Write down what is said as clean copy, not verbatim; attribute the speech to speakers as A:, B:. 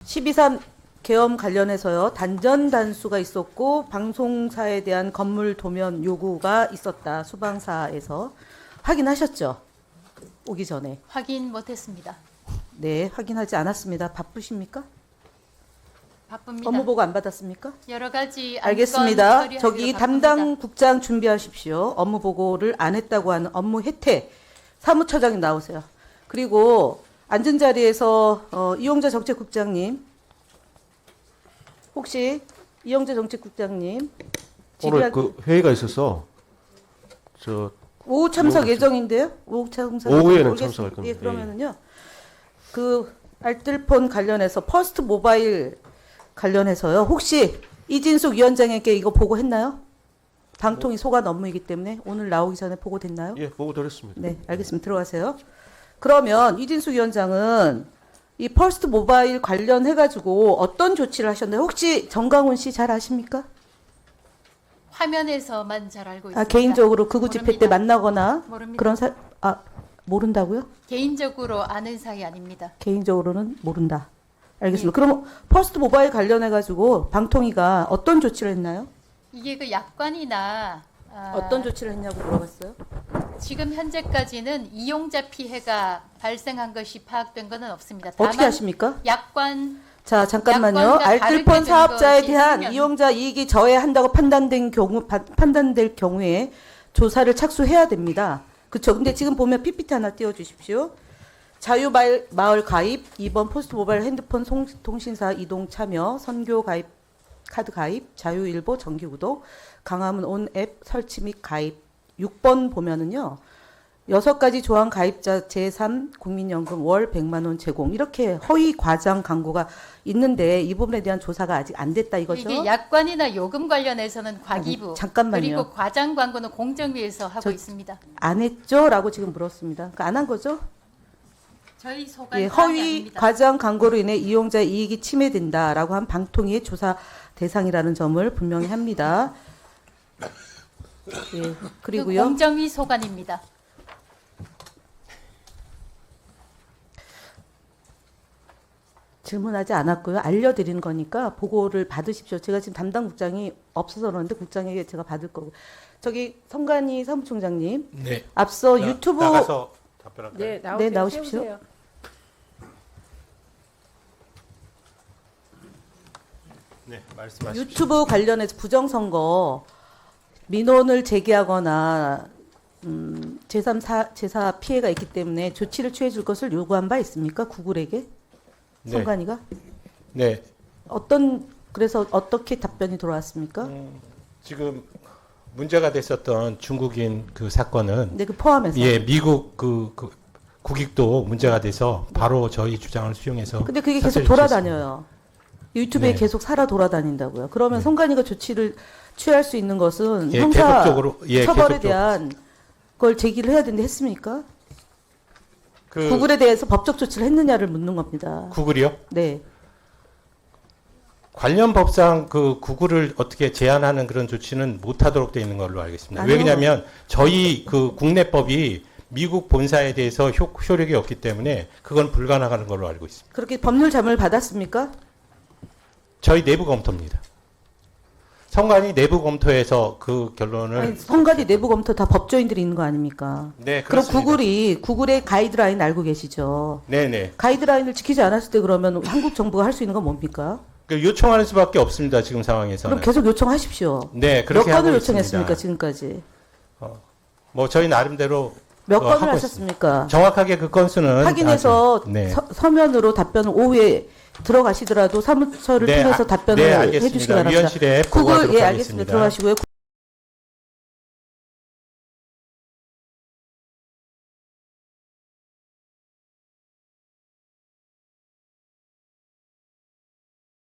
A: 12.3 계엄 관련해서요. 단전 단수가 있었고 방송사에 대한 건물 도면 요구가 있었다. 수방사에서 확인하셨죠? 오기 전에.
B: 확인 못했습니다.
A: 네, 확인하지 않았습니다. 바쁘십니까?
B: 바쁩니다.
A: 업무 보고 안 받았습니까?
B: 여러 가지 안건
A: 알겠습니다.
B: 처리하기로
A: 저기
B: 바쁩니다.
A: 담당 국장 준비하십시오. 업무 보고를 안 했다고 하는 업무 혜택 사무처장이 나오세요. 그리고 앉은 자리에서 이용자 정책국장님, 혹시 이용자 정책국장님
C: 오늘 그 회의가 있어서 저
A: 오후 참석 예정인데요. 오후 참석
C: 오후에는
A: 모르겠습니다.
C: 참석할 겁니다.
A: 예, 그러면은요. 그 알뜰폰 관련해서 퍼스트 모바일 관련해서요. 혹시 이진숙 위원장에게 이거 보고했나요? 방통위 소관 업무이기 때문에 오늘 나오기 전에 보고됐나요?
C: 예 보고 드렸습니다.
A: 네, 알겠습니다. 들어가세요. 그러면 이진숙 위원장은 이 퍼스트 모바일 관련해가지고 어떤 조치를 하셨나요? 혹시 정강훈 씨 잘 아십니까?
B: 화면에서만 잘 알고 있습니다.
A: 아, 개인적으로 극우 집회 때
B: 모릅니다.
A: 만나거나
B: 모릅니다.
A: 그런 모른다고요?
B: 개인적으로 아는 사이 아닙니다.
A: 개인적으로는 모른다. 알겠습니다.
B: 예.
A: 그럼 퍼스트 모바일 관련해가지고 방통위가 어떤 조치를 했나요?
B: 이게 그 약관이나
A: 어떤 조치를 했냐고 물어봤어요.
B: 지금 현재까지는 이용자 피해가 발생한 것이 파악된 것은 없습니다. 다만
A: 어떻게 하십니까?
B: 약관
A: 자, 잠깐만요.
B: 약관과
A: 알뜰폰
B: 다르게
A: 사업자에
B: 된
A: 대한
B: 것이 있으면-
A: 이용자 이익이 저해한다고 판단될 경우에 조사를 착수해야 됩니다. 그렇죠. 근데 지금 보면 PPT 하나 띄워주십시오. 자유마을 가입, 2번 포스트 모바일 핸드폰 통신사 이동 참여, 선교 가입, 카드 가입, 자유일보 정기 구독, 강화문 온 앱 설치 및 가입. 6번 보면은요. 6가지 조항 가입자 제3 국민연금 월 100만 원 제공. 이렇게 허위 과장 광고가 있는데 이 부분에 대한 조사가 아직 안 됐다 이거죠.
B: 이게 약관이나 요금 관련해서는 과기부
A: 아니, 잠깐만요.
B: 그리고 과장 광고는 공정위에서 하고 있습니다.
A: 안 했죠? 라고 지금 물었습니다. 안 한 거죠?
B: 저희 소관
A: 예,
B: 사항이
A: 허위
B: 아닙니다.
A: 과장 광고로 인해 이용자 이익이 침해된다라고 한 방통위의 조사 대상이라는 점을 분명히 합니다. 예,
B: 그
A: 그리고요.
B: 공정위 소관입니다.
A: 질문하지 않았고요. 알려드리는 거니까 보고를 받으십시오. 제가 지금 담당 국장이 없어서 그러는데 국장에게 제가 받을 거고. 저기 성관이 사무총장님.
D: 네.
A: 앞서 유튜브
D: 나가서 답변할까요?
E: 네,
A: 네, 나오십시오.
E: 세우세요.
D: 네, 말씀하십시오.
A: 유튜브 관련해서 부정선거 민원을 제기하거나 제4 피해가 있기 때문에 조치를 취해 줄 것을 요구한 바 있습니까? 구글에게?
D: 네.
A: 성관이가?
D: 네.
A: 그래서 어떻게 답변이 돌아왔습니까?
D: 지금 문제가 됐었던 중국인 그 사건은
A: 네, 그 포함해서.
D: 예, 미국 그 국익도 문제가 돼서 바로 저희 주장을 수용해서
A: 근데 그게 계속
D: 사퇴를
A: 돌아다녀요. 유튜브에
D: 네.
A: 계속 살아 돌아다닌다고요. 그러면
D: 네.
A: 성관이가 조치를 취할 수 있는 것은
D: 예,
A: 형사
D: 계속적으로, 예,
A: 처벌에
D: 계속적으로.
A: 대한 걸 제기를 해야 되는데 했습니까?
D: 그
A: 구글에 대해서 법적 조치를 했느냐를 묻는 겁니다.
D: 구글이요?
A: 네.
D: 관련 법상 그 구글을 어떻게 제한하는 그런 조치는 못하도록 되어 있는 걸로 알겠습니다.
A: 아니요.
D: 왜냐하면 저희 그 국내법이 미국 본사에 대해서 효력이 없기 때문에 그건 불가능한 걸로 알고 있습니다.
A: 그렇게 법률 자문을 받았습니까?
D: 저희 내부 검토입니다. 성관이 내부 검토해서 그 결론을
A: 아니, 성관이 내부 검토 다 법조인들이 있는 거 아닙니까?
D: 네,
A: 그럼
D: 그렇습니다.
A: 구글의 가이드라인 알고 계시죠?
D: 네네.
A: 가이드라인을 지키지 않았을 때 그러면 한국 정부가 할 수 있는 건 뭡니까?
D: 그 요청하는 수밖에 없습니다. 지금 상황에서는.
A: 그럼 계속 요청하십시오.
D: 네,
A: 몇
D: 그렇게 하고
A: 건을
D: 있습니다.
A: 요청했습니까 지금까지?
D: 뭐 저희 나름대로
A: 몇
D: 그거
A: 건을
D: 하고
A: 하셨습니까?
D: 정확하게 그 건수는
A: 확인해서
D: 아직- 네.
A: 서면으로 답변을 오후에 들어가시더라도 사무처를
D: 네,
A: 통해서 답변을
D: 네, 알겠습니다.
A: 해주시기 바랍니다.
D: 위원실에
A: 구글
D: 보고하도록
A: 예
D: 하겠습니다.
A: 알겠습니다. 들어가시고요.